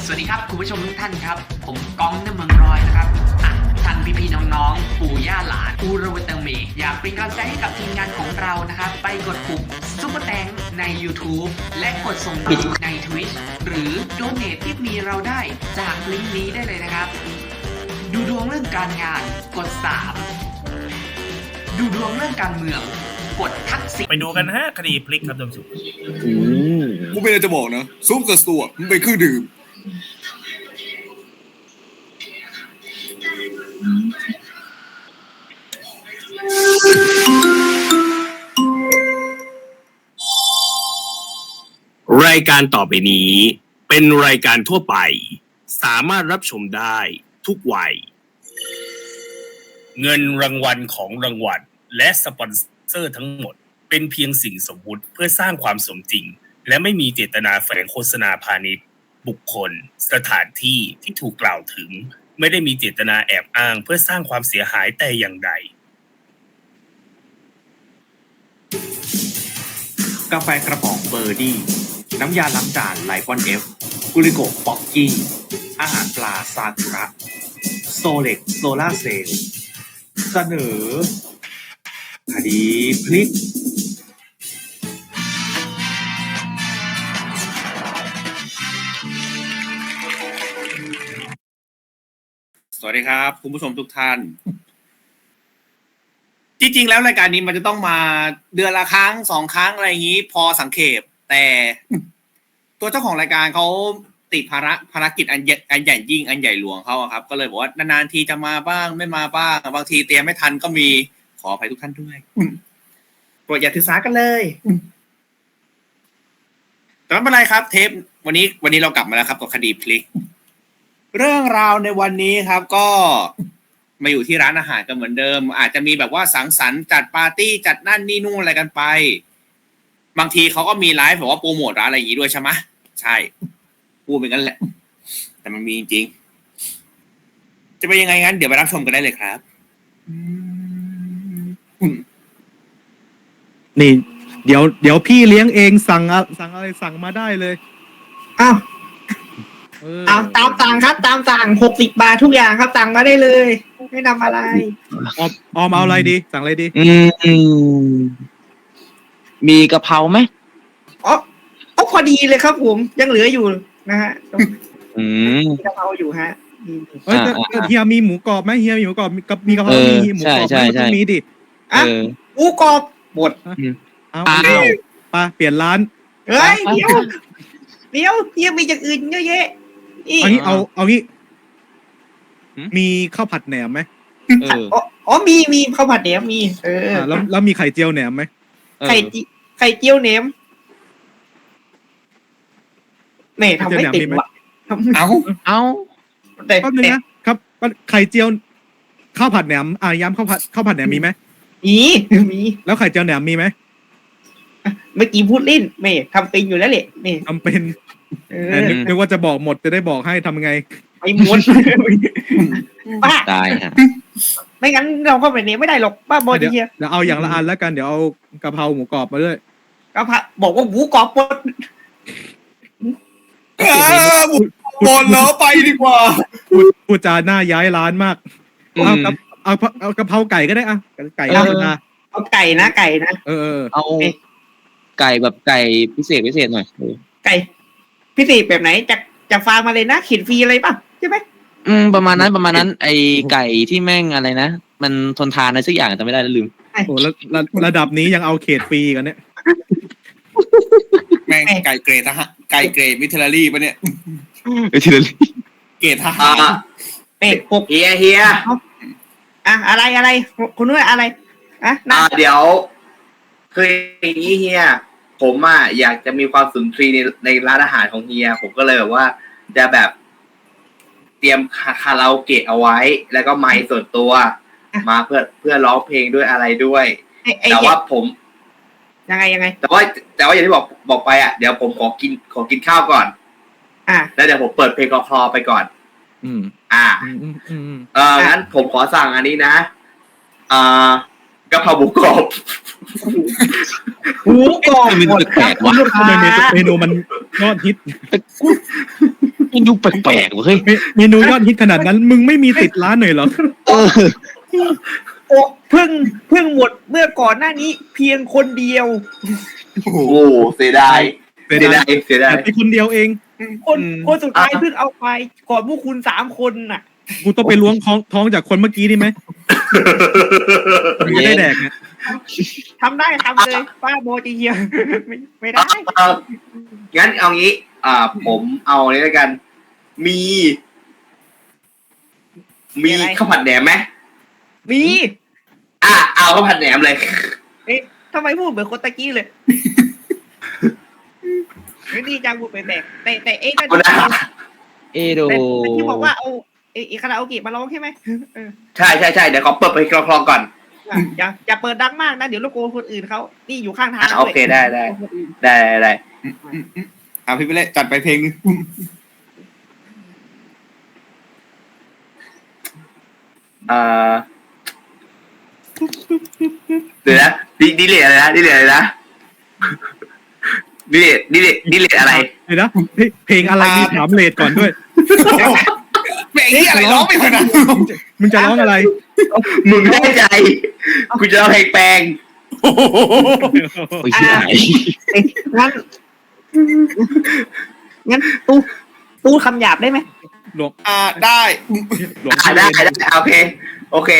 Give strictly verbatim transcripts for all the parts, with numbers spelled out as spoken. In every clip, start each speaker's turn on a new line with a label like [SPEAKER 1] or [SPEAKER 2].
[SPEAKER 1] สวัสดีครับคุณผู้ชมทุกท่านครับผมก้องน้ำเมืองรอยนะครับอ่ะท่านพี่ๆน้องๆปู่ย่าหลานอูรวเตอร์เมอยากเป็นกำลังใจให้กับทีมงานของเรานะครับไปกดปุ่มซุปเปอร์แตงใน YouTube และกดส่งบิตใน Twitch หรือโดเนทที่มีเราได้จากลิงก์นี้ได้เลยนะครับดูดวงเรื่องการงานกดสามดูดวงเรื่องการเมืองกดทักษิณ
[SPEAKER 2] ไปดูกันฮะคดีพลิกครับท่านผู้ชม
[SPEAKER 3] กูไม่ได้จะบอกนะซุปกับตัวมันเป็นเครื่องดื่ม
[SPEAKER 4] รายการต่อไปนี้เป็นรายการทั่วไปสามารถรับชมได้ทุกวัยเงินรางวัลของรางวัลและสปอนเซอร์ทั้งหมดเป็นเพียงสิ่งสมมุติเพื่อสร้างความสมจริงและไม่มีเจตนาแฝงโฆษณาพาณิชย์บุคคลสถานที่ที่ถูกกล่าวถึงไม่ได้มีเจตนาแอบอ้างเพื่อสร้างความเสียหายแต่อย่างใด
[SPEAKER 5] กาแฟกระป๋องเบอร์ดี้น้ำยาล้างจานไลปอนเอฟกุลิโกป๊อกกี้อาหารปลาซากุระโซเล็กโซล่าเซลล์เสนอคดีพลิกสวัสดีครับคุณผู้ชมทุกท่านจริงๆแล้วรายการนี้มันจะต้องมาเดือนละครั้งสองครั้งอะไรอย่างนี้พอสังเขปแต่ตัวเจ้าของรายการเขาติดภาระภารกิจอันใหญ่อันใหญ่ยิ่งอันใหญ่หลวงเขาครับก็เลยบอกว่านานๆทีจะมาบ้างไม่มาบ้างบางทีเตรียมไม่ทันก็มีขออภัยทุกท่านด้วยโปรดอย่าถือสากันเลยแต่ไม่เป็นไรครับเทปวันนี้วันนี้เรากลับมาแล้วครับกับคดีพลิกเรื่องราวในวันนี้ครับก็มาอยู่ที่ร้านอาหารกันเหมือนเดิมอาจจะมีแบบว่าสังสรรค์จัดปาร์ตี้จัดนั่นนี่นู่นอะไรกันไปบางทีเขาก็มีไลฟ์แบบว่าโปรโมทร้านอะไรอย่างนี้ด้วยใช่ไหมใช่พูดเป็นงั้นแหละแต่มันมีจริงจะเป็นยังไงงั้นเดี๋ยวไปรับชมกันได้เลยครับ
[SPEAKER 6] นี่เดี๋ยวเดี๋ยวพี่เลี้ยงเองสั่งอะสั่งอะไรสั่งมาได้เลย
[SPEAKER 7] อ้าว
[SPEAKER 6] ตาม
[SPEAKER 7] ตามสั่งครับตามสั่งหกสิบบาททุกอย่างครับสั่งมาได้เลยไม่นำอะไร
[SPEAKER 6] ออมออมเอาอะไรดีสั่งอะไรดี
[SPEAKER 8] อืมมีกะเพราไหม
[SPEAKER 7] อ๋ออ๋อพอดีเลยครับผมยังเหลืออยู่นะฮะ
[SPEAKER 8] อืม
[SPEAKER 7] มีกะเพราอยู่ฮะ
[SPEAKER 6] เฮ้ยเฮียมีหมูกรอบไหมเฮียมีหมูกรอบมีกับมีกะเพรามีหมูกรอบไหมต้องมีดิ
[SPEAKER 7] อ่ะหมูกรอบหมด
[SPEAKER 6] เอาไปเปลี่ยนร้าน
[SPEAKER 7] เฮ้ยเดี๋ยวเดี๋ยวเฮียมีอย่างอื่นเยอะแยะ
[SPEAKER 6] อันนี้เอาเอางี้มีข้าวผัดแหนมไหม
[SPEAKER 7] เอออ๋อมีมีข้าวผัดแหนมมีเออ
[SPEAKER 6] แล้วแล้วมีไข่เจียวแหนมไหม
[SPEAKER 7] ไข่ไข่เจียวแหนมแม่ทำไม่ติดว่ะ
[SPEAKER 8] เอาเอา
[SPEAKER 7] แต่
[SPEAKER 6] แป๊บนึงนะครับไข่เจียวข้าวผัดแหนมอ่ะย้ำข้าวผัดข้าวผัดแหนมมีไหม
[SPEAKER 7] มีมี
[SPEAKER 6] แล้วไข่เจียวแหนมมีไหม
[SPEAKER 7] เมื่อกี้พูดเล่นแม่ทำเป็นอยู่แล้วแหละนี่
[SPEAKER 6] ทำเป็นนึกว่าจะบอกหมดจะได้บอกให้ทำยังไง
[SPEAKER 7] ไอ้หมดป้า
[SPEAKER 8] ตายฮะ
[SPEAKER 7] ไม่งั้นเราก็แบบนี้ไม่ได้หรอกป้าบอดีเฮีย
[SPEAKER 6] เดี๋ยวเอาอย่างละอันแล้วกันเดี๋ยวเอากะเพราหมูกรอบมาด้วย
[SPEAKER 7] กะเพราบอกว่าหมูกรอบหมด
[SPEAKER 3] หมดแล้วไปดีกว่า
[SPEAKER 6] พูดจาหน้าย้ายร้านมากเอากับเอาเอากะเพราไก่ก็ได้อ่ะไก่ธรรมดา
[SPEAKER 7] เอาไก่นะไก่นะ
[SPEAKER 6] เออ
[SPEAKER 8] เอาไก่แบบไก่พิเศษพิเศษหน่อย
[SPEAKER 7] ไก่พิเศษแบบไหนจะจะฟาร์มมาเลยนะขีดฟรีอะไรป่ะใช่ไหม
[SPEAKER 8] อืมประมาณนั้นประมาณนั้นไอไก่ที่แม่งอะไรนะมันทนทานอะไรสักอย่างจำไม่ได้แล้วลืม
[SPEAKER 6] โอ้ระระดับนี้ยังเอาเขตฟรีกันเนี่ย
[SPEAKER 3] แม่งไก่เกรดทหารไก่เกรดมิเทอรี่ปะเนี่ย
[SPEAKER 8] มิเทอรี่
[SPEAKER 3] เกรดทหาร
[SPEAKER 7] เป็ดหก
[SPEAKER 9] เฮียเฮีย
[SPEAKER 7] อ่ะอะไรอะไรคุณนุ้ยอะไรอ่ะ
[SPEAKER 9] เดี๋ยวคืออย่างนี้เฮียผมอ่ะอยากจะมีความสุนทรีในในร้านอาหารของเฮียผมก็เลยแบบว่าจะแบบเตรียมคาราโอเกะเอาไว้แล้วก็ไมค์ส่วนตัวมาเพื่อเพื่อร้องเพลงด้วยอะไรด้วยแต่ว่าผม
[SPEAKER 7] ยังไงยังไง
[SPEAKER 9] แต่ว่าแต่ว่าอย่างที่บอกบอกไปอ่ะเดี๋ยวผมขอกินขอกินข้าวก่อน
[SPEAKER 7] อ่ะ
[SPEAKER 9] แล้วเดี๋ยวผมเปิดเพลงคลอไปก่อน
[SPEAKER 6] อืม
[SPEAKER 9] อ่าเอองั้นผมขอสั่งอันนี้นะอ่ากะเพราหมูกรอบ
[SPEAKER 7] หมูกรอบ
[SPEAKER 8] มันแปลกว่ะ
[SPEAKER 6] ทำไมเมนูมันยอดฮิต
[SPEAKER 8] มันดูแปลกๆว่ะเฮ้ย
[SPEAKER 6] เมเมนูยอดฮิตขนาดนั้น มึงไม่มีติดร้านหน่อยเหรอ
[SPEAKER 8] เออ
[SPEAKER 7] โอ้เพิ่งเพิ่งหมดเมื่อก่อนหน้านี้เพียงคนเดียว
[SPEAKER 9] โอ้โหเสียดาย
[SPEAKER 6] เสี
[SPEAKER 9] เสี
[SPEAKER 6] ย
[SPEAKER 9] ย
[SPEAKER 6] ดา
[SPEAKER 9] ดาย ยเสียดาย
[SPEAKER 6] แต่เป็นคนเดียวเอง
[SPEAKER 7] คน
[SPEAKER 9] อืม
[SPEAKER 7] คนสุดท้าย
[SPEAKER 9] อ่ะ
[SPEAKER 7] เพิ่งเอาไปก่อนพวกคุณสามคนน่ะ
[SPEAKER 6] กูต้องไปล้วงท้องท้องจากคนเมื่อกี้นี่ไหมมึงจะได้แดกเนี่ย
[SPEAKER 7] ทำได้ทำเลยป้าโบจีเฮียไม่ไม่ได้
[SPEAKER 9] เอางั้นเอางี้ อ่า ผมเอาเลยแล้วกัน มี มีข้าวผัดแหนมไหม
[SPEAKER 7] มี
[SPEAKER 9] อ่ะเอาข้าวผัดแหนมเลย
[SPEAKER 7] เอ๊ะทำไมพูดเหมือนคนตะกี้เลยไม่ดีจังพูดไปแบกแต่แต่เอ๊ะนั่น
[SPEAKER 9] เอานะ
[SPEAKER 8] เอโด
[SPEAKER 7] แต่แต่ที่บอกว่าเอาเอ๊ะคาราโอเกะมาร้องใช่ไหมเออ
[SPEAKER 9] ใช่ใช่ใช่เดี๋ยวขอเปิดไปคลองๆก่อน
[SPEAKER 7] อย่าอย่าเปิดดังมากนะเดี๋ยวรบกวนคนอื่นเขานี่อยู่ข้างทาง
[SPEAKER 9] อ่ะโอเคได้ได้ ได้ได้ได้
[SPEAKER 3] อ่ะพี่ไปเลยจัดไปเพลงนึง
[SPEAKER 9] เอ่อเดี๋ยวนะดิดิเลตอะไรนะดิเลตอะไรนะดิเลตดิเลตดิเลตอะไร
[SPEAKER 6] เดี๋ยวนะเฮ้ยเพลงอะไรมีถามเลทก่อนด้วย
[SPEAKER 3] เพลงนี้อะไรร้องไม่ถนัด
[SPEAKER 6] มึงจะร้องอะไร
[SPEAKER 9] มึงแน่ใจ กูจะเอาเพลงแปลง
[SPEAKER 8] โอ้ยชิบหาย
[SPEAKER 7] เอ๊ะงั้นงั้นตู้ตู้คำหยาบได้ไหม
[SPEAKER 6] หลวง
[SPEAKER 3] อ่าได้
[SPEAKER 6] หลวง
[SPEAKER 9] อ่าได้ได้โอเค โอเค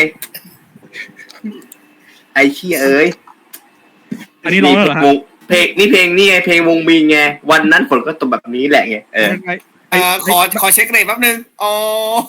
[SPEAKER 9] ไอ้เชี่ยเอ้ย
[SPEAKER 6] อันนี้ร้องแล้วเหรอฮะ
[SPEAKER 9] เพลงนี่เพลงนี่ไงเพลงวงมีไงวันนั้นฝนก็ตกแบบนี้แหละไงเออ
[SPEAKER 6] ไอ้
[SPEAKER 3] อ่าขอขอเช็คเรทแป๊บนึงอ๋อ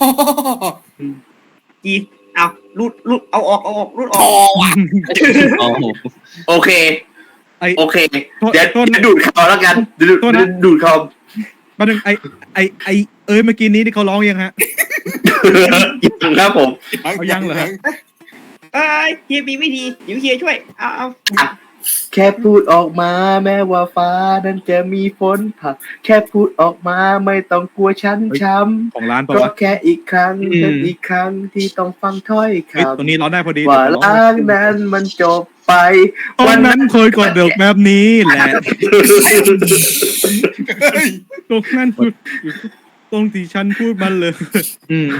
[SPEAKER 7] จีเอารูดรูดเอาออกเอาออกรูดอ
[SPEAKER 3] พ
[SPEAKER 7] อ
[SPEAKER 3] อก ว่ะ
[SPEAKER 8] โอ้โห
[SPEAKER 9] โอเค
[SPEAKER 6] ไอ้
[SPEAKER 9] โอเค
[SPEAKER 6] โทษ
[SPEAKER 9] เดี๋ยว
[SPEAKER 6] โทษนะ
[SPEAKER 9] เดี๋ยวดูดเขาแล้วกันเดี๋ยวดูด
[SPEAKER 6] โทษนะ
[SPEAKER 9] ดูดเขา
[SPEAKER 6] ประเด็นไอ้ไอ้ไอ้เอ้ยเมื่อกี้นี้ที่เขาร้องยังฮะ
[SPEAKER 9] ยังครับผม
[SPEAKER 6] เอายังเหรอฮะ
[SPEAKER 7] เอ้ยเฮียมีวิธีเดี๋ยวเฮียช่วยเอาเอา
[SPEAKER 9] แค่พูดออกมาแม้ว่าฟ้านั้นจะมีฝนผ่าแค่พูดออกมาไม่ต้องกลัวช้ำช้
[SPEAKER 6] ของร้าน
[SPEAKER 9] ำ
[SPEAKER 6] เปล่า
[SPEAKER 9] ก็
[SPEAKER 6] วะ
[SPEAKER 9] แค่อีกครั้งเป็นอีกครั้งที่ต้องฟังถ้อยค
[SPEAKER 6] เฮ้ยตรงนี้ร้องได้พอดี
[SPEAKER 9] ำว่า
[SPEAKER 6] เดี๋ยวร้อง
[SPEAKER 9] ล้างนั้นมันจบไป
[SPEAKER 6] ตอนนั้นเคยกดเดือกแบบนี้แหละตรงนั้นพูดตรงที่ฉันพูดมันเลย
[SPEAKER 8] อืม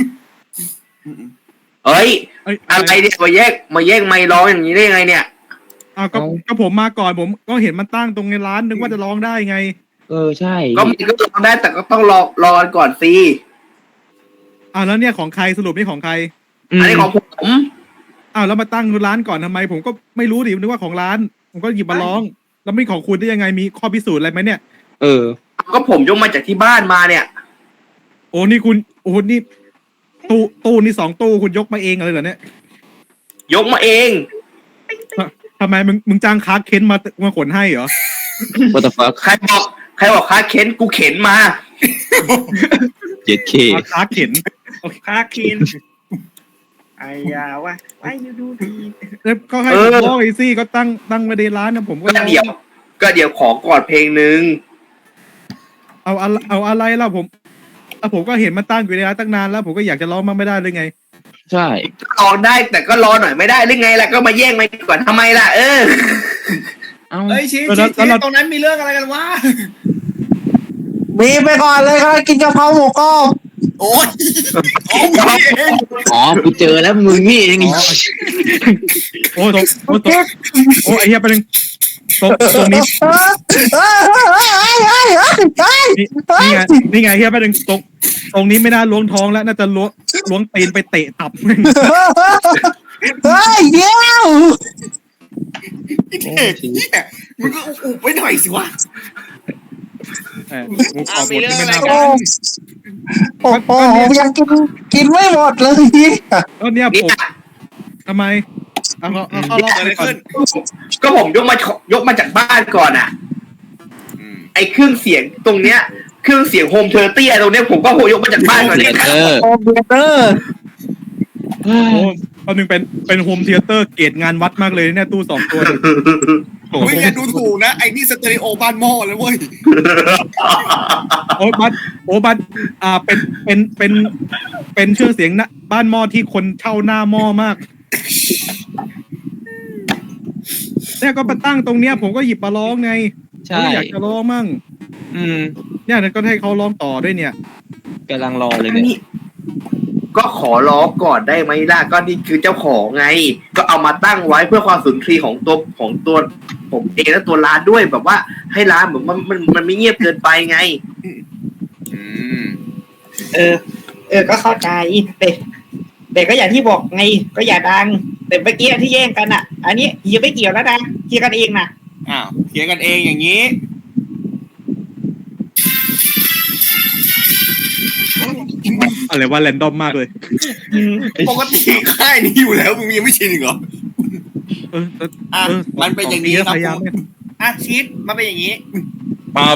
[SPEAKER 9] เอ้ย
[SPEAKER 6] เอ้ย
[SPEAKER 9] อะไรเนี่ยมาแยกมาแยกไม่ร้องอย่างนี้ได้ยังไงเนี่ย
[SPEAKER 6] อ้าวก็ก็ผมมาก่อนผมก็เห็นมันตั้งตรงในร้านนึกว่าจะร้องได้ไง
[SPEAKER 8] เออใช่
[SPEAKER 9] ก็มันก็ร้องได้แต่ก็ต้องรอรอกันก่อนสิ
[SPEAKER 6] อ้าวแล้วเนี่ยของใครสรุปนี่ของใคร
[SPEAKER 9] อันนี้ของผม
[SPEAKER 6] อ้าวแล้วมาตั้งร้านก่อนทำไม ผมก็ไม่รู้ดินึกว่าของร้าน ผมก็หยิบมาร้อง แล้วไม่ของคุณได้ยังไงมีข้อพิสูจน์อะไรไหมเนี่ย
[SPEAKER 8] เออ
[SPEAKER 9] ก็ผมยกมาจากที่บ้านมาเนี่ย
[SPEAKER 6] โอ้นี่คุณโอ้นี่ตู้ตู้นี่สองตู้คุณยกมาเองเลยเหรอเนี่ย
[SPEAKER 9] ยกมาเอง
[SPEAKER 6] ทำไมมึงมึงจ้างคาร์เค้นมามาขนให้เหรอ
[SPEAKER 8] what the fuck
[SPEAKER 9] ใครบอกใครบอกค้าเข็นกูเข็นมา
[SPEAKER 8] เจ็ดเค
[SPEAKER 6] เอาคาร์เข็น
[SPEAKER 7] คาคินไอ้ยาวะไอ้ยูดูดี
[SPEAKER 6] แล้วก็ให้
[SPEAKER 9] เอ
[SPEAKER 6] ผม
[SPEAKER 9] อ
[SPEAKER 6] ร้องไอ้ซี่ก็ตั้งตั้งมาในร้านนะผมก็
[SPEAKER 9] ก็
[SPEAKER 6] ร้อง
[SPEAKER 9] เดี๋ยว ก็เดี๋ยวขอก่อนเพลงหนึ่ง
[SPEAKER 6] เอาอะไรเอาอะไรล่ะผมเอาผมก็เห็นมันตั้งอยู่ในร้านตั้งนานแล้ว ผมก็อยากจะร้องมันไม่ได้เลยไง
[SPEAKER 8] ใช่
[SPEAKER 9] รอได้แต่ก็รอหน่อยไม่ได้หรือไงล่ะก็มาแย่งไปก่อนทำไมล่ะเออ
[SPEAKER 8] เอ้า
[SPEAKER 3] เฮ้ยชี้
[SPEAKER 6] แล้ว
[SPEAKER 3] ชี้
[SPEAKER 6] แล้วเรา
[SPEAKER 3] ตรงนั้นมีเรื่องอะไรกันวะ
[SPEAKER 10] มีไปก่อนเลยครับกินกะเพราหมูกรอบ
[SPEAKER 3] โอ้ยโอ้ยเอง
[SPEAKER 8] อ๋อกูเจอแล้วมึงนี่เอง
[SPEAKER 6] โอ้ตรงโอ้ตรงโอ้ไอ้เหี้ยไปหนึ่งตรงตรงนี้
[SPEAKER 10] เฮ้ยเฮ้ยเฮ้ยเฮ้ยเฮ้ย
[SPEAKER 6] นี่นี่ไงนี่ไงเฮียไปหนึ่งตรงตรงนี้ไม่น่าล้วงท้องแล้วน่าจะล้วงล้วงตีนไปเตะตับ
[SPEAKER 10] เฮ้ยเดี๋ยว
[SPEAKER 3] ไอ้เด็กเนี่ยมึงก็อุบไว้หน่อยสิวะ
[SPEAKER 6] เอองูขอบหมดที่ไม่น่า
[SPEAKER 10] โอ้โอ้โหผมยังกินกินไม่หมดเลย
[SPEAKER 6] ก็เนี่ย
[SPEAKER 9] นี่
[SPEAKER 6] ผมทำไมเอาเอาเอาเอา
[SPEAKER 3] เกิดอะไรขึ้น
[SPEAKER 9] ก็ผมยกมายกมาจากบ้านก่อนอ่ะ ไอ้เครื่องเสียงตรงเนี้ยเครื่องเสียงโฮมเทอร์เตียตรงเนี้ยผมก็โหยกมาจากบ้านก่อนเนี่ย
[SPEAKER 8] เออ
[SPEAKER 10] โอ้เบเตอร์
[SPEAKER 6] โอ้เอาหนึ่งเป็นเป็นโฮมเทเตอร์เกตงานวัดมากเลยเนี่ยตู้สองตัวเนี่ยโอ้โห
[SPEAKER 3] ไม่อย่าดูถูกนะไอ้นี่สเตอริโอบ้านหม้อเลยเว้ย
[SPEAKER 6] โอ้บัตโอ้บัตอ่าเป็นเป็นเป็นเป็นเครื่องเสียงนะบ้านหม้อที่คนเช่าหน้าหม้อมากเนี่ยก็มาตั้งตรงเนี้ยผมก็หยิบมาร้องไง
[SPEAKER 8] ใช่
[SPEAKER 6] ก็อยากจะร้องมั่ง
[SPEAKER 8] อืม
[SPEAKER 6] เนี่ยก็ให้เขาร้องต่อด้วยเนี่ย
[SPEAKER 8] กำลังรอเลยเนี่ย
[SPEAKER 9] นี่ก็ขอร้องก่อนได้ไหมล่ะก็นี่คือเจ้าของไง ก็เอามาตั้งไว้เพื่อความสุนทรีของตัวของตัวผมเองและตัวร้านด้วยแบบว่าให้ร้านแบบมันมันมันไม่เงียบเกินไปไง
[SPEAKER 5] อืม
[SPEAKER 7] เออ เออ ก็เข้าใจแต่แต่ก็อย่างที่บอกไง ก็อย่าดัง แต่เมื่อกี้ที่แย่งกันอ่ะ อันนี้เฮียไม่เกี่ยวแล้วดังเฮียกันเองนะ
[SPEAKER 5] อ้าวเคลียร์กันเองอย่างนี้
[SPEAKER 6] อะไรว่าแรนดอมมากเลย
[SPEAKER 5] ปกติค่ายนี้อยู่แล้วมึงยังไม่ชินอีกเหรอ
[SPEAKER 6] เออเออ
[SPEAKER 5] อ่ะ
[SPEAKER 6] เออ
[SPEAKER 5] มันเป็นอย่างนี้
[SPEAKER 6] ข
[SPEAKER 5] ครับ
[SPEAKER 6] พยายาม
[SPEAKER 5] คุณอ่ะชีตมันเป็นอย่างนี้
[SPEAKER 8] ครับ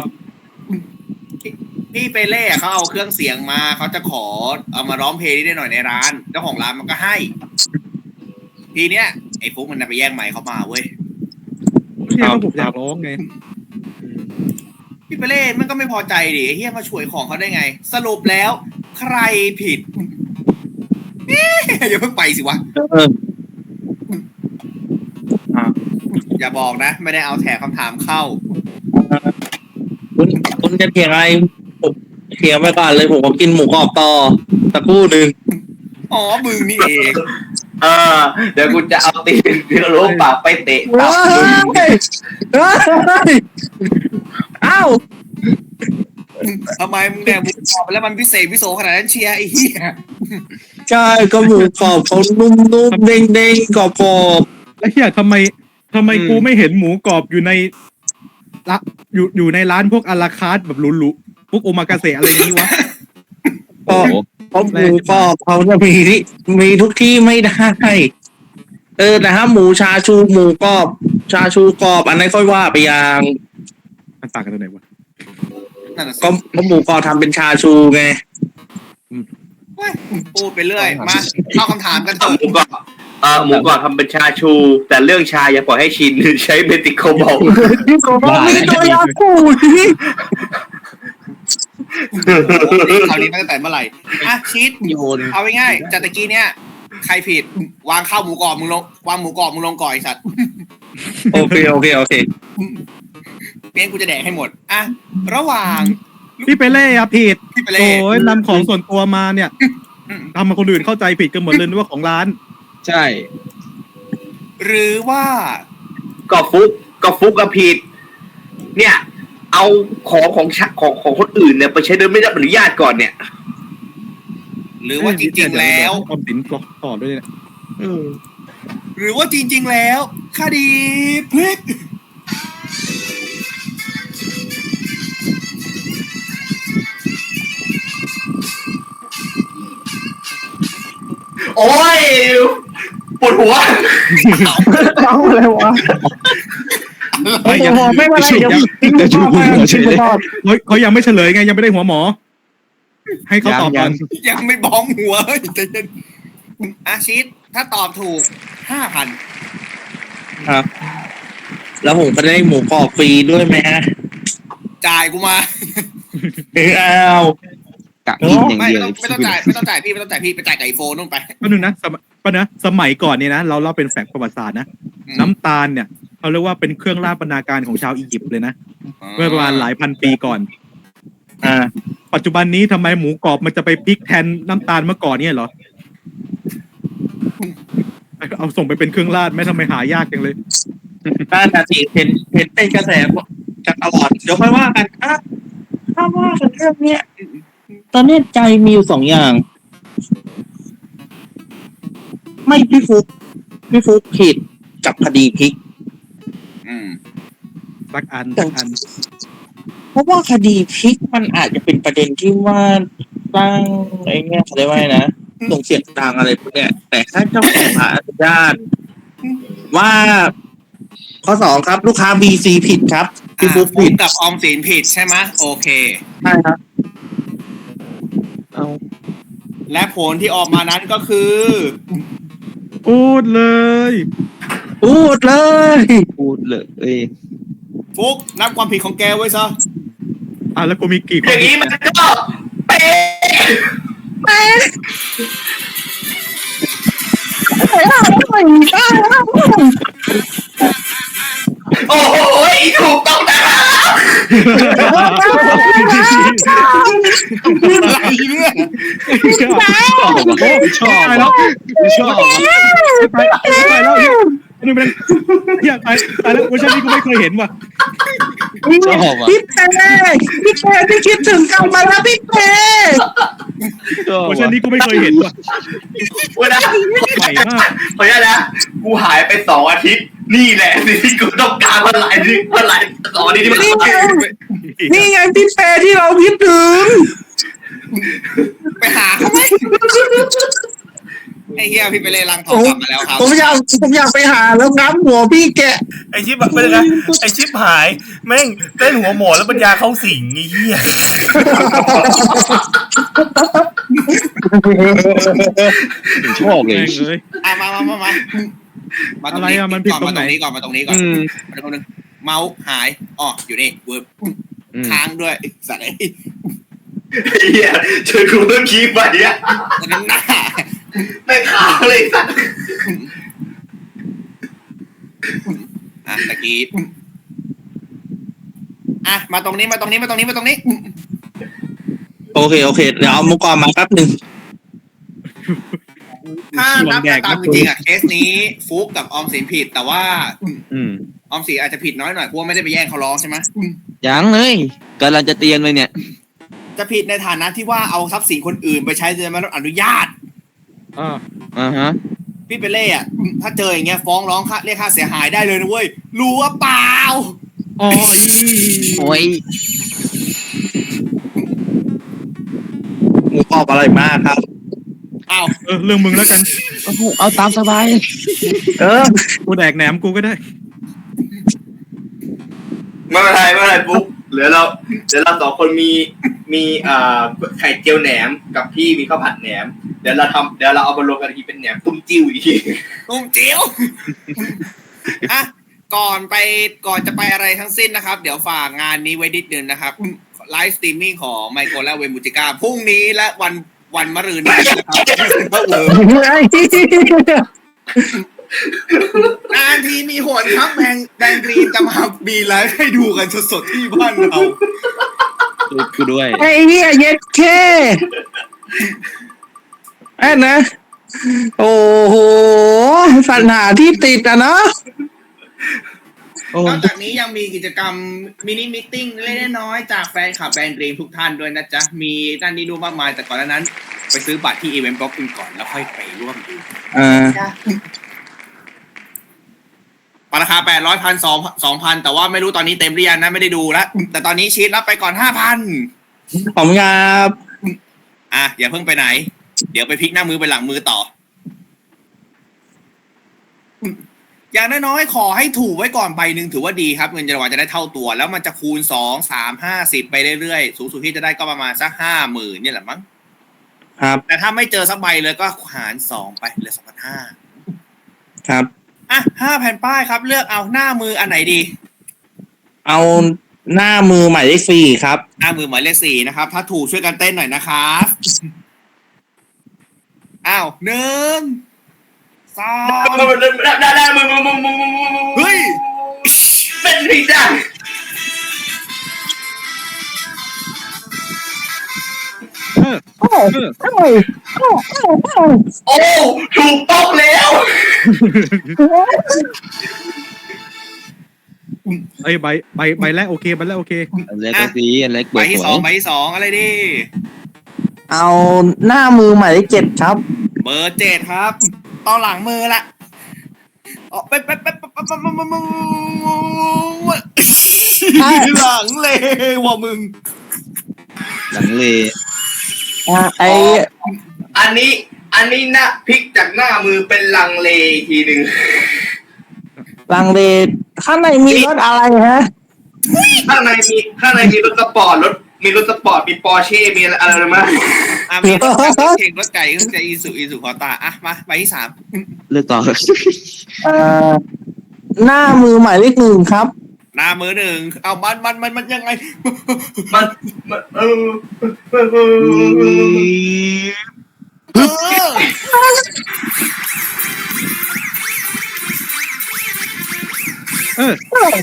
[SPEAKER 5] พี่เปเล่เขาเอาเครื่องเสียงมาเขาจะขอเอามาร้องเพลงนี้ได้หน่อยในร้านเจ้าของร้านมันก็ให้ ทีเนี้ยไอ้ฟุกมันน่ะไปแย่งไมค์เขามาเว้ย
[SPEAKER 6] เนี่ยก็ผมอยากร้องไง
[SPEAKER 5] พี่เปเล่มันก็ไม่พอใจดิไอ้เฮียมาช่วยของเขาได้ไง สรุปแล้ว ใครผิดเอ๊ะอย่าเพิ่งไปสิวะ
[SPEAKER 8] เออ
[SPEAKER 5] อย่าบอกนะ ไม่ได้เอาแถบคำถามเข้า
[SPEAKER 8] คุณคุณจะเถียงอะไรผมเถียงไปก่อนเลยผมก็กินหมูกรอบต่อตะกู้หนึ่ง
[SPEAKER 5] อ๋อมึงนี่เอง
[SPEAKER 9] เออเดี๋ยวกูจะเอาตีนเดี๋ยวรู้ปากไปเตะตับมึง
[SPEAKER 8] อ้าว
[SPEAKER 5] ทำไมมึงแดกหมูกรอบไปแล้วมันพิเศษพิโสขนาดนั้นเชียร์ไอ้เหี้ย
[SPEAKER 8] ใช่ก็หมูกรอบเขานุ่มๆเด้งๆกรอบ
[SPEAKER 6] แล้วเฮียทำไมทำไมกูไม่เห็นหมูกรอบอยู่ในละอยู่อยู่ในร้านพวกอาราคาร์ทแบบหรูๆพวกโอมากาเสะอะไรอย่างนี้วะ
[SPEAKER 8] ๆก็เพราะหมูกรอบเขาจะมีที่มีทุกที่ไม่ได้ เออแต่ถ้าหมูชาชูหมูกรอบชาชูกรอบอันนั้นค่อยว่าไปอย่าง
[SPEAKER 6] มันต่างกันตรงไหนวะ
[SPEAKER 5] นั่นน่ะสิ
[SPEAKER 8] ก็เพราะหมูกรอบทำเป็นชาชูไง
[SPEAKER 5] เว้ยพูดไปเรื่อย มาเข้าคำถามกันเถ
[SPEAKER 9] เอา
[SPEAKER 5] อะ
[SPEAKER 9] หมูกรอบเออหมูกรอบทำเป็นชาชู แต่เรื่องชาอย่าปล่อยให้ชินใช้เบติโคบอล
[SPEAKER 8] นี่ก็ว่าไม่ตัวยาคูนี่
[SPEAKER 5] คราวนี้ตั้งแต่เมื่อไหร่อ่ะชีต
[SPEAKER 8] โยน
[SPEAKER 5] เอาง่ายๆจากตะกี้เนี่ยใครผิด วางข้าวหมูกรอบมึงลงวางหมูกรอบมึงลงก่อนไอ้สัตว์
[SPEAKER 8] โอเคโอเคโอเค
[SPEAKER 5] เปี้ยนกูจะแดกให้หมดอ่ะระหว่าง
[SPEAKER 6] พี่เปเล่อะผิด
[SPEAKER 5] พี่ไปเล่
[SPEAKER 6] โอ้ยนำของส่วนตัวมาเนี่ยทำมาคนอื่นเข้าใจผิดกันหมดเลยนึกว่าของร้าน
[SPEAKER 8] ใช่
[SPEAKER 5] หรือว่า
[SPEAKER 9] ก็ฟุกก็ฟุกกับผิด เนี่ย เอาของของชะของของคนอื่นเนี่ยไปใช้โดยไม่ได้รับอนุญาตก่อนเนี่ย
[SPEAKER 5] หรือว่าจริงๆแล้ว
[SPEAKER 6] ออมสินกรอกต่อด้วยเนี่ย
[SPEAKER 5] หรือว่าจริง ๆ แล้วคดีพลิก
[SPEAKER 9] โอ้ยปวดหัว
[SPEAKER 10] เอาอะไรวะ
[SPEAKER 6] เฮ้ยยัง
[SPEAKER 10] ไม่เป็นไรเดี๋ยวทิ้งไปก่อนทิ้งไปก่อน
[SPEAKER 6] เฮ้ยเขายังไม่เฉลยไงยังไม่ได้หัวหมอ ให้เขาตอบก่อน
[SPEAKER 5] ยังไม่บ้องหัวเฮ้ยใจเย็นอาชีตถ้าตอบถูกห้าพัน
[SPEAKER 8] ครับ แล้วผมก็ได้หมูกรอบฟรีด้วยไหมฮะ
[SPEAKER 5] จ่ายกูมา
[SPEAKER 8] อ้าวกะกินอย่าง
[SPEAKER 5] ไม่
[SPEAKER 8] เดียว
[SPEAKER 5] ไม่ต้องไม่ต้องจ่ายไม่ต้องจ่ายพี่ไม่ต้องจ่ายพี่ไปจ่ายไก่โฟนนู่นไป
[SPEAKER 6] ก็นึงนะสมัยก็นะสมัยก่อนเนี่ยนะเราเล่าเป็นแฝงประวัติศาสตร์นะ
[SPEAKER 5] อืม
[SPEAKER 6] น้ำตาลเนี่ยเขาเรียกว่าเป็นเครื่องราชบรรณาการของชาวอียิปต์เลยนะเมื่อประมาณหลายพันปีก่อน
[SPEAKER 8] อ่า
[SPEAKER 6] ปัจจุบันนี้ทำไมหมูกรอบมันจะไปพลิกแทนน้ำตาลเมื่อก่อนเนี่ยเหรอเอาส่งไปเป็นเครื่องราชไหม่ทำไมหายากจังเลย
[SPEAKER 8] ถ้านาทีเห็นเห็นเป็นกระแสจากตลอดเดี๋ยวค่อยว่ากันอ่ะถ้าว่ากันเรื่องเนี้ยตอนนี้ใจมีอยู่สองอย่าง ไม่พี่ฟุกพี่ฟุกผิดกับคดีพลิก
[SPEAKER 5] อืม
[SPEAKER 6] สักอันสักอัน
[SPEAKER 8] เพราะว่าคดีพลิกมันอาจจะเป็นประเด็นที่ว่าตั้งไอ้เนี่ยเขาเรียกว่าไงนะส่งเสียงดังอะไรพวกเนี้ยแต่ถ้าเจ้าของร้านอนุญาตว่า ข้อสองครับ ลูกค้า บี ซี ผิดครับพี่
[SPEAKER 5] อ่า
[SPEAKER 8] ฟุก
[SPEAKER 5] ฟุ
[SPEAKER 8] ผิ
[SPEAKER 5] ก
[SPEAKER 8] ด
[SPEAKER 5] กับออมสินผิดใช่ไหมโอเค
[SPEAKER 8] ใช่ครับเอา
[SPEAKER 5] และผลที่ออกมานั้นก็คือ
[SPEAKER 6] พูดเลย
[SPEAKER 8] พูดเลยพูดเลย
[SPEAKER 5] ฟุกนับความผิดของแกไว้ซะ
[SPEAKER 6] อ่ะแล้วกูมีกี่ค
[SPEAKER 9] อน ย่างนี้มันก็เป๊ะโอ้โหถูกต้องนะครับ
[SPEAKER 3] อะไรเนี่ย
[SPEAKER 6] ชอบแล้วชอบไปไปแล้วนี่มันเฮียตายตายแล้วเวอร์ชันนี้กูไม่เคยเห็นว่ะ
[SPEAKER 8] ชอบอ่ะ
[SPEAKER 10] พี่เป้พี่เป้พี่คิดถึงกลับมาแล้วพี่เป้
[SPEAKER 6] เวอร์ชันนี้กูไม่เคยเห็นว่ะ
[SPEAKER 9] วันนั้น
[SPEAKER 6] ใหม่มาก
[SPEAKER 9] ขออนุญาตนะกูหายไปสองอาทิตย์นี่แหละสิ่งที่กูต้องการมาหลายที่มาหลายสองอาทิตย์ที่มัน
[SPEAKER 10] นี่ไงนี่ไงพี่เป้ที่เราคิดถึง
[SPEAKER 3] ไปหาเขาไหมไอ้เฮียพี่ไปเลยลังทองกลับมาแล้วครับ
[SPEAKER 10] ผมอยากผมอยากไปหาแล้วงับหัวพี่แกะ
[SPEAKER 2] ไอชิปแบบไม่ได้นะไอชิปหายแม่งเต้นหัวหมอแล้วปัญญาเข้าสิงไอ้เหี้ย
[SPEAKER 8] ชอบเลย
[SPEAKER 6] แม่งเลย
[SPEAKER 3] อ่ะมามามามามาตรง
[SPEAKER 6] อะไร
[SPEAKER 3] นี้
[SPEAKER 6] อ่ะมันผิด
[SPEAKER 3] ก่อน
[SPEAKER 6] ตร
[SPEAKER 3] มาง ต
[SPEAKER 6] ไหน
[SPEAKER 3] รงนี้ก่อนมาตรงนี้ก่อนมาตรงนึงเมาส์หายอ๋ออยู่นี่เวิร์บค้างด้วยสัตว์ไอ้
[SPEAKER 9] เฮียช่วยกูต้องคีบไปอ่ะ
[SPEAKER 3] น้ำหน้า
[SPEAKER 9] ไม่ค้างเลยสัตว์
[SPEAKER 3] อ่ะตะกี้อ่ะมาตรงนี้มาตรงนี้มาตรงนี้มาตรงนี้
[SPEAKER 8] โอเคโอเคเดี๋ยวเอามุกกรมาแป๊บหนึ่ง
[SPEAKER 3] ถ้านับตามจริงๆอ่ะเคสนี้ฟุกกับออมสินผิดแต่ว่า
[SPEAKER 6] อืม
[SPEAKER 3] ออมสินอาจจะผิดน้อยหน่อยเพราะว่าไม่ได้ไปแย่งเขาร้องใช่ไหม
[SPEAKER 8] ยังเลยกำลังจะเตรียมเลยเนี่ย
[SPEAKER 3] จะผิดในฐานะที่ว่าเอาทรัพย์สินคนอื่นไปใช้โดยไม่ได้รับอนุญาต
[SPEAKER 6] อ่า
[SPEAKER 8] อ่าฮะ
[SPEAKER 3] พี่เปเล่อะถ้าเจออย่างเงี้ยฟ้องร้องค่าเรียกค่าเสียหายได้เลยนะเว้ยรู้ว่าเปล่า
[SPEAKER 6] อ๋อ
[SPEAKER 8] โอ้ยหมูกรอบอร่อยมากครับ
[SPEAKER 3] อ้าว
[SPEAKER 6] เออเรื่องมึงแล้วกัน
[SPEAKER 8] โอ้โหเอาตามสบาย เออ
[SPEAKER 6] กูแดกแหนมกูก็ได้
[SPEAKER 9] ไม่เป็นไรไม่เป็นไรปุ๊บเหลือเราเดี๋ยวเราสองคนมีมีอ่าไข่เจียวแหนมกับพี่มีข้าวผัดแหนมเดี๋ยวเราทำเดี๋ยวเราเอามารวมกันอีกทีเป็นแหนมตุ้มจิ้วอีกที
[SPEAKER 3] ตุ้มจิ้วอ่ะก่อนไปก่อนจะไปอะไรทั้งสิ้นนะครับ เดี๋ยวฝากงานนี้ไว้นิดนึงนะครับไลฟ์สตรีมมิ่งของไมโครและเวมูจิก้าพรุ่งนี้และวันวันมะรืนนี้นะครับนานทีมีหนครับแบงแบงกรีนจะมามีไลฟ์ให้ดูกันสดๆที่บ้านเรา
[SPEAKER 8] กูด้วย
[SPEAKER 10] ไอ้เหี้ยเย็ดแค่แอนนะ โอ้โหสัญหาที่ติดอ่ะเนาะ
[SPEAKER 3] นอกจากนี้ยังมีกิจกรรมมินิมิทติ้งเล็กๆน้อยๆจากแฟนคลับแบรนด์ดรีมทุกท่านด้วยนะจ๊ะ มีนั่นนี่ดูมากมายแต่ก่อนหน้านั้น ไปซื้อบัตรที่อีเวนต์บล็อกกันก่อนแล้วค่อยไปร่วมดู
[SPEAKER 8] อ่า
[SPEAKER 3] ราคาแปดร้อยพันสองสองพันแต่ว่าไม่รู้ตอนนี้เต็มหรือยังนะไม่ได้ดูแล้วแต่ตอนนี้ชีทรับไปก่อนห้าพัน
[SPEAKER 8] ขอบคุณครับ
[SPEAKER 3] อ่ะอย่าเพิ่งไปไหน เดี๋ยวไปพลิกหน้ามือไปหลังมือต่อ อย่างน้อยๆขอให้ถูกไว้ก่อนใบหนึ่งถือว่าดีครับเงินรางวัลจะได้เท่าตัว แล้วมันจะคูณสองสามห้าสิบไปเรื่อยๆสูงสุดที่จะได้ก็ประมาณสักห้าหมื่นเนี่ยแหละมั้ง
[SPEAKER 8] ครับ
[SPEAKER 3] แต่ถ้าไม่เจอสักใบเลยก็หารสองไปเหลือสองพันห้า
[SPEAKER 8] ครับ
[SPEAKER 3] อ่ะห้าแผ่นป้ายครับเลือกเอาหน้ามืออันไหนดี
[SPEAKER 8] เอาหน้ามือหมายเลขสี่ครับ
[SPEAKER 3] หน้ามือหมายเลขสี่นะครับถ้าถูกช่วยกันเต้นหน่อยนะครับอ้าวหนึ่งสอง
[SPEAKER 9] ได้ได้มึงมึงมึงมึงมึงมึง
[SPEAKER 3] เฮ้ย
[SPEAKER 9] เป็นผิดอ่ะ
[SPEAKER 10] โอ้โหโอ้โหโอ้โห
[SPEAKER 9] โอ้ถูกต้องแล้ว
[SPEAKER 6] ไอ้ยใบใบใบแรกโอเคใบแรกโอเค
[SPEAKER 8] อันเล็กก็ดีอันเล็ก
[SPEAKER 3] ใบที่สองใบที่สองอะไรดี
[SPEAKER 10] เอาหน้ามือหมายเลขเจ็ดครับ
[SPEAKER 3] เบอร์เจ็ดครับตอนหลังมือละออกไปไปไปไปไปไปไปหลังเลยว่ะมึง
[SPEAKER 8] หลังเล
[SPEAKER 10] อ่าไอ
[SPEAKER 9] อันนี้อันนี้นะพลิกจากหน้ามือเป็นลังเลทีหนึ่ง
[SPEAKER 10] ลังเลข้างในมีรถอะไรฮะ
[SPEAKER 9] ข้างในมีข้างในมีรถสปอร์ตรถมีรถสปอร์ตมีปอร์เช่มีอะไรอะไรมั้ย
[SPEAKER 3] อ่ะมีรถเก่งรถไก่ก็จะอีสุอีสุคอตาอ่ะมาใบที่สาม
[SPEAKER 8] เลือกต่อ
[SPEAKER 10] เอ่อหน้ามือหมายเลขหนึ่งครับ
[SPEAKER 3] หน้ามือหนึ่งเอามันมันมันมันยังไง
[SPEAKER 9] มันมันเออ
[SPEAKER 3] เออ
[SPEAKER 6] เออ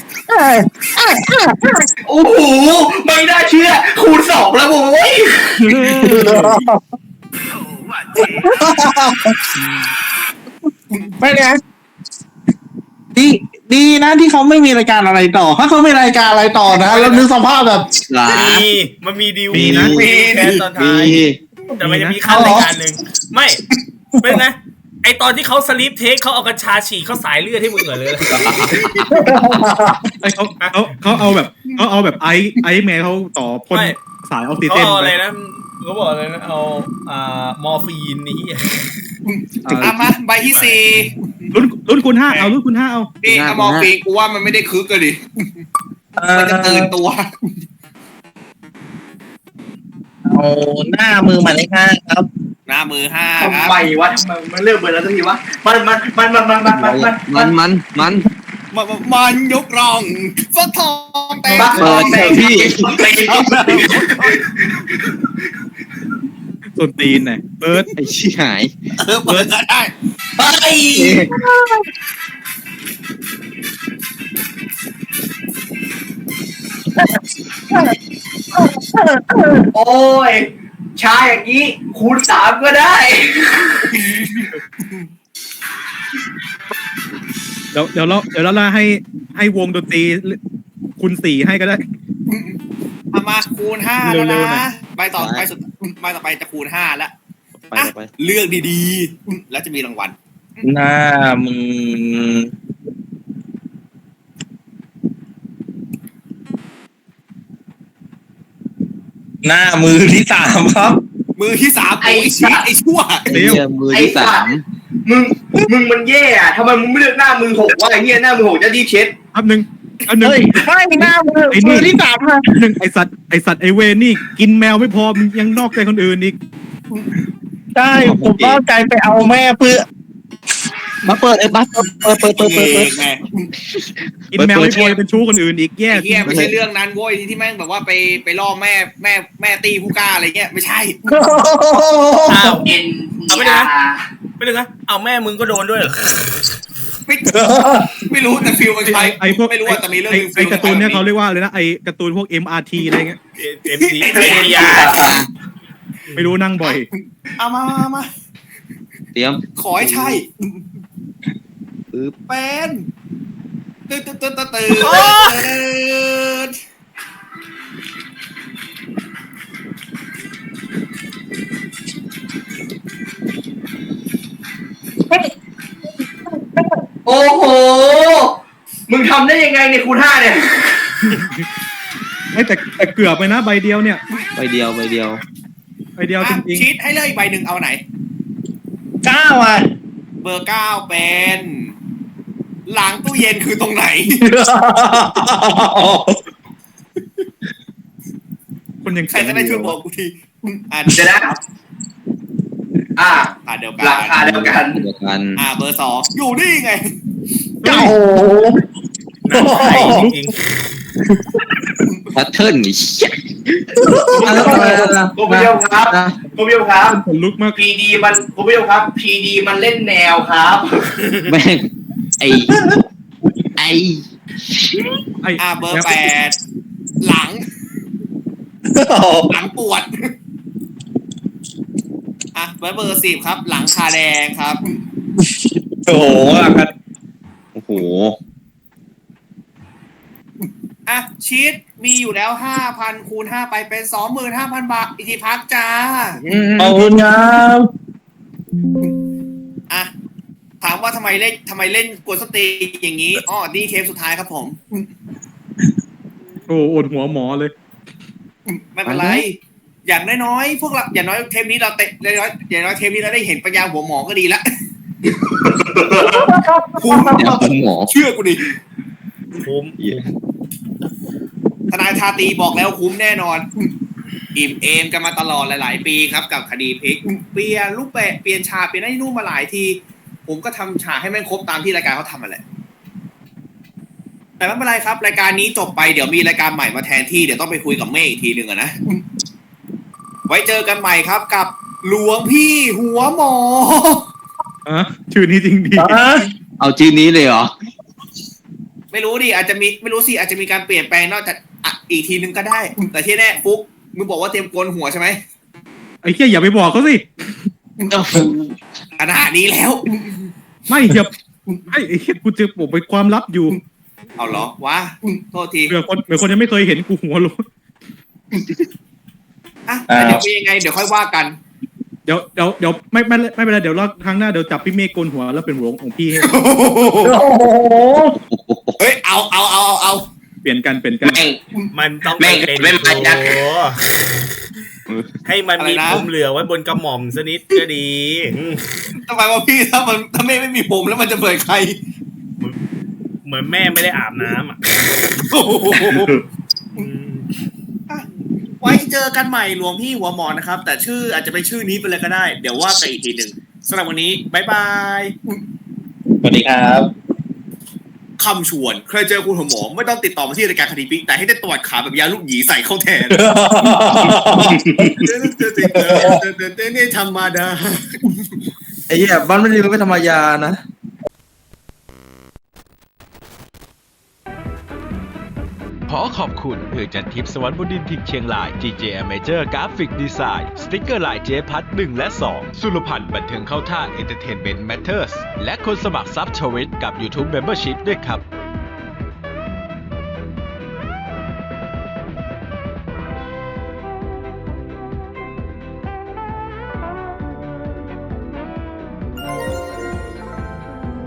[SPEAKER 9] โอ้โหไม่น่าเชื่อคูณสองแล้วโว้ย
[SPEAKER 10] ไม่เนี่ยดีดีนะที่เขาไม่มีรายการอะไรต่อถ้าเขาไม่รายการอะไรต่อนะแล้วนึกสภาพแบบหลา
[SPEAKER 2] มีมันมีดีล
[SPEAKER 6] มีนะ
[SPEAKER 2] มีแค่ตอนท้ายแต่มันจะมีขั้นรายการหนึ่งไม่เป็นนะไอตอนที่เขาสลีปเทคเขาเอากัญชาฉีกเขาสายเลือดให้มึงเหรอเลย
[SPEAKER 6] ไอเขาเขาเขาเอาแบบเขาเอาแบบไอไอแมวเขาต่อพ่น
[SPEAKER 2] ไม่
[SPEAKER 6] สายออกซิ
[SPEAKER 2] เขา
[SPEAKER 6] เจน
[SPEAKER 2] เอา
[SPEAKER 6] ไป
[SPEAKER 2] อะไรนะเขาบอกอะไรนะเอาอ่ามอร์ฟีนนี่
[SPEAKER 3] อ่ะมาใบที่สี่
[SPEAKER 6] รุ่นรุ่นคุณห้าเอารุ่นคุณห้าเอา
[SPEAKER 3] นี่อะมอร์ฟีนกูว่ามันไม่ได้คึกเลยดิ
[SPEAKER 10] เออ
[SPEAKER 3] มันจะตื่นตัว
[SPEAKER 10] เอาหน้ามือหมายเลขห้าครับ
[SPEAKER 3] หน้ามือห้าค
[SPEAKER 9] ทำ
[SPEAKER 3] รับ
[SPEAKER 9] ไมวะทำไมมันเลือกเบอร์แล้วสักทีวะมันมันมันมันมันมันมันมัน
[SPEAKER 10] มันมันมัน
[SPEAKER 3] มันมันยกร่องฟักทองแต่
[SPEAKER 9] บ้า
[SPEAKER 10] เปิดเถอะพี่
[SPEAKER 6] ส่วนตีนเนี่ยเปิด
[SPEAKER 10] ไอ้ชี้หาย
[SPEAKER 3] เออเปิดก็ได้
[SPEAKER 9] ไปโอ้ยชาอย่างนี้คูณสามก็ได้
[SPEAKER 6] เดี๋ยวเดี๋ยวเราเดี๋ยวเราล่าให้ให้วงดนตรีคุณสี่ให้ก็ได้
[SPEAKER 3] เอามาคูณห้าแล้ว
[SPEAKER 6] เร็วๆหน่
[SPEAKER 3] นะ
[SPEAKER 6] อย
[SPEAKER 3] ใบต่อไปสุดใบต่อไปจะคูณห้าแล้ว
[SPEAKER 10] ไป
[SPEAKER 3] อ่ะ
[SPEAKER 10] ไป
[SPEAKER 3] เลือกดีๆ แล้วจะมีรางวัล
[SPEAKER 10] หน้ามือหน้ามือที่สามครับ
[SPEAKER 3] มือที่สาม
[SPEAKER 9] ไอ้
[SPEAKER 3] โอ้ยชี้ไอ้ชั่ว
[SPEAKER 6] เร็ว
[SPEAKER 10] มือ
[SPEAKER 9] ไอ้
[SPEAKER 10] ที่สา
[SPEAKER 9] สัต
[SPEAKER 10] ม
[SPEAKER 9] ว์มึงมึงมันแย่อะทำไมมึงไม่เลือกหน้ามือหกวะไอ้เหี้ยหน้ามือหกจะรีบเช็ด
[SPEAKER 6] อันหนึ่งอันหนึ่ง
[SPEAKER 10] เฮ้ยไม่หน้ามือ
[SPEAKER 6] ไอ้นี่
[SPEAKER 10] มือที่สามค่ะ
[SPEAKER 6] หนึ่งไอสัตว์ไอสัตว์ไอเวนนี่กินแมวไม่พอมันยังนอกใจคนอื่นอีก
[SPEAKER 10] ใช่ผมก็ใจไปเอาแม่เพื่อมาเปิดไอ้บัสเปิดเปิดเปิดเปิดเปิด
[SPEAKER 3] แม่
[SPEAKER 6] กินแมวไม่พอยังเป็นชู้คนอื่นอีกแย่
[SPEAKER 3] ไอ้เหี้ยไม่ใช่เรื่องนั้นโว้ยที่แม่งแบบว่าไปไปล่อแม่แม่แม่ตีผู้กล้าอะไรเงี้ยไม่ใช่
[SPEAKER 2] อ้าว
[SPEAKER 9] เอ็น
[SPEAKER 2] เอาไปเลยนะ ไม่ได้นะเอาแม่มึงก็โดนด้วยเหรอ
[SPEAKER 3] ไม่ไม่รู้แต่ฟิลมันใคร
[SPEAKER 6] ไอพวก
[SPEAKER 3] ไม่รู้ว่าแต่มีเรื่อง
[SPEAKER 6] ไอ
[SPEAKER 3] หนึ่ง
[SPEAKER 6] ไอการ์ตูนเนี่ยเขาเรียกว่าอะไรนะไอการ์ตูนพวก เอ็ม อาร์ ที อะไรเงี้ย
[SPEAKER 2] เอ็มซีเอ็มยา
[SPEAKER 6] ไม่รู้นั่งบ่อย
[SPEAKER 3] เอามามามา
[SPEAKER 10] เตรียม
[SPEAKER 3] ขอให้ใช่
[SPEAKER 10] ปึ๊บ
[SPEAKER 3] เป็นตื่นตื่นตื่นตื่นตื่น
[SPEAKER 9] โอ้โหมึงทำได้ยังไงเนี่ยคูณห้าเนี่ย
[SPEAKER 6] ไอแต่แต่เกือบไปนะใบเดียวเนี่ย
[SPEAKER 10] ใบเดียวใบเดียว
[SPEAKER 6] ใบเดียวจ
[SPEAKER 3] อ่ะ
[SPEAKER 6] ริง
[SPEAKER 3] ชีทให้เลือกอีกใบหนึ่งเอาไหน
[SPEAKER 10] เก้าอ่ะ
[SPEAKER 3] เบอร์เก้าเป็น หลังตู้เย็นคือตรงไหน
[SPEAKER 6] ๆคนยัง
[SPEAKER 3] ใครก็ได้ช่วยบอกกูทีอ่า
[SPEAKER 9] เดี๋ยวนะ อ่า
[SPEAKER 3] อ่าเดียวกัน
[SPEAKER 9] ราคาเดียวกัน
[SPEAKER 10] เดียวกัน
[SPEAKER 3] อ่าเบอร์สองอยู่นี่ไง
[SPEAKER 10] โอ้โห
[SPEAKER 2] หนักไข่จริง
[SPEAKER 10] แพทเทิร์นนี่เชี่ย
[SPEAKER 9] คุณผู้ชมครับคุณผู้ชมครับ
[SPEAKER 6] ขนลุกมาก
[SPEAKER 9] พีดีมันคุณผู้ชมครับพีดีมันเล่นแนวครับ
[SPEAKER 10] แม่งไอไอ
[SPEAKER 6] ไอ
[SPEAKER 3] อ่าเบอร์แปดหลัง หลังปวด อ่ะเบอร์เบอร์สิบครับ หลังคาแดงครับ
[SPEAKER 10] โอ้โหกันโอ้โห
[SPEAKER 3] อ่ะชีตมีอยู่แล้วห้าพันคูณห้าไปเป็นสองหมื่นห้าพันบาทอีกทีพักจ้า
[SPEAKER 10] ขอบคุณครับ
[SPEAKER 3] อ่ะถามว่าทำไมเล่นทำไมเล่นกวนสตรีอย่างนี้อ๋อนี่เทปสุดท้ายครับผม
[SPEAKER 6] โอ้โอดหัวหมอเลย
[SPEAKER 3] ไม่เป็นไร อย่างน้อยๆพวกเราอย่างน้อยเทปนี้เราเตะอย่างน้อยอย่างน้อยเทปนี้เราได้เห็นปัญญาหัวหมอก็ดีละคุ้ม
[SPEAKER 10] เดี๋ยวคุณหมอ
[SPEAKER 3] เชื่อกูดิ
[SPEAKER 2] ๆคุ้ม
[SPEAKER 3] ทนายชาตรีบอกแล้วคุ้มแน่นอน อิ่มเอมกันมาตลอดหลายๆปีครับกับคดีพลิกเปลี่ยนรูปแบบเปลี่ยนฉากเปลี่ยนไอ้นู่นมาหลายที ผมก็ทำฉากให้แม่งครบตามที่รายการเขาทำมาแหละแต่ไม่เป็นไรครับ รายการนี้จบไปเดี๋ยวมีรายการใหม่มาแทนที่เดี๋ยวต้องไปคุยกับเมฆอีกทีหนึ่งอะนะ ไว้เจอกันใหม่ครับกับหลวงพี่หัวหมอ
[SPEAKER 6] อ่ะชื่อนี้จริงดี
[SPEAKER 10] เอาชื่อนี้เลยเหรอ
[SPEAKER 3] ไม่รู้ดิอาจจะมีไม่รู้สิอาจจะมีการเปลี่ยนแปลงนอกจากอ่ะอีกทีนึงก็ได้ แต่ที่แน่ฟุกมึงบอกว่าเตรียมโกนหัวใช่ไหม
[SPEAKER 6] ไอ้เหี้ยอย่าไปบอกเขาสิ
[SPEAKER 3] ขนาดนี้แล้ว
[SPEAKER 6] ไม่อย่าไอ้ไอ้เหี้ยกูจะปกเป็นความลับอยู่
[SPEAKER 3] เอาเหรอวะโทษที
[SPEAKER 6] เผื่อคนเผื่อคนยังไม่เคยเห็นกูหัวโลน
[SPEAKER 3] อ่ะแต่เดี๋ยวเป็นยังไงเดี๋ยวค่อยว่ากัน
[SPEAKER 6] เดี๋ยวเดี๋ยวเดี๋ยวไม่ไม่ไม่เป็นไรเดี๋ยวรอบครั้งหน้าเดี๋ยวจับพี่เมฆโกนหัวแล้วเป็นหัวของพี่ให้
[SPEAKER 3] เฮ้ยเอาเอาเอาเอาเอา
[SPEAKER 6] เปลี่ยนกันเปลี่ยนกัน
[SPEAKER 9] แม่ง
[SPEAKER 2] มันต้อง
[SPEAKER 9] แม่ง
[SPEAKER 2] เป็น
[SPEAKER 9] ไม่มาจาก
[SPEAKER 2] โอ้ให้มันมีผมเหลือไว้บนกระหม่อมสักนิดก็ดีอืม
[SPEAKER 3] ทำไมวะพี่ถ้ามันถ้าไม่ไม่มีผมแล้วมันจะเปิดใคร
[SPEAKER 2] เหมือนแม่ไม่ได้อาบน้ำอ่ะอืม
[SPEAKER 3] ไว้เจอกันใหม่หลวงพี่หัวหมอนะครับ แต่ชื่ออาจจะเป็นชื่อนี้ไปเลยก็ได้ เดี๋ยวว่ากันอีกทีหนึ่งสำหรับวันนี้บายบาย
[SPEAKER 8] สวัสดีครับ
[SPEAKER 3] คำชวนเคยเจอคุณหัวหมอไม่ต้องติดต่อมาที่รายการคดีพลิกแต่ให้ได้ตรวจขาแบบยาลูกหยีใส่เข้าแทนเนี่ยธรรมดา
[SPEAKER 10] ไอ้เหี้ยบ้านไม่ดีไม่ธรรมยานะ
[SPEAKER 11] ขอขอบคุณเพื่อจัดทริปสวรรค์บนดินทิงเชียงราย จี เจ Amateur Graphic Design สติ๊กเกอร์ลายเจพัทหนึ่งและสองสุรพันธ์บันเทิงเข้าท่า Entertainment Matters และคนสมัครซับชวิตกับ YouTube Membership ด้วยครับ